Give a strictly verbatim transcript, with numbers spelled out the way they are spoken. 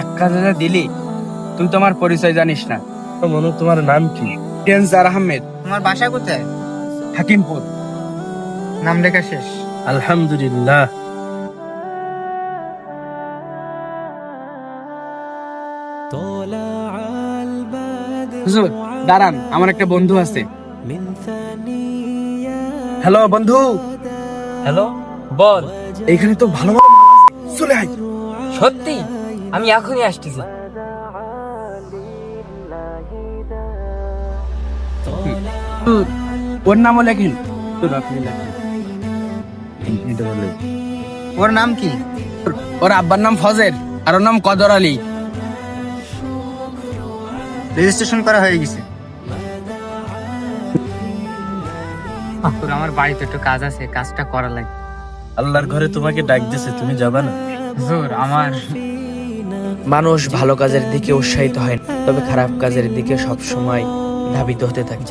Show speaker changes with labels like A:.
A: ধাক্কা যা দিলি, তুই তোমার পরিচয় জানিস না।
B: মনু, তোমার নাম কি?
A: টেনজার আহমেদ।
C: তোমার বাসা কোথায়?
A: হাকিমপুর।
C: নাম লেখা শেষ।
B: আলহামদুলিল্লাহ।
A: হুজুর দাঁড়ান, আমার একটা বন্ধু আছে।
B: হ্যালো বন্ধু।
D: হ্যালো, বল।
B: এইখানে তো ভালো ভালো মাল আছে, চলে আয়।
D: সত্যি? আমি এখনই আসতেছি।
A: হুজুর, ওর নামও লেখেন। হুজুর, আপনি লেখেন। এটা বললেন।
C: ওর নাম কি?
A: ওর আব্বার নাম ফজের আর ওর নাম কদর আলী।
C: রেজিস্ট্রেশন করা হয়ে গেছে। আমার বাড়িতে একটু কাজ আছে, কাজটা করা লাগে।
B: আল্লাহর ঘরে তোমাকে ডাক দিয়েছে, তুমি যাবা না?
C: হুজুর, আমার
E: মানুষ ভালো কাজের দিকে উৎসাহিত হয় না, তবে খারাপ কাজের দিকে সব সময় ধাবিত হতে থাকে।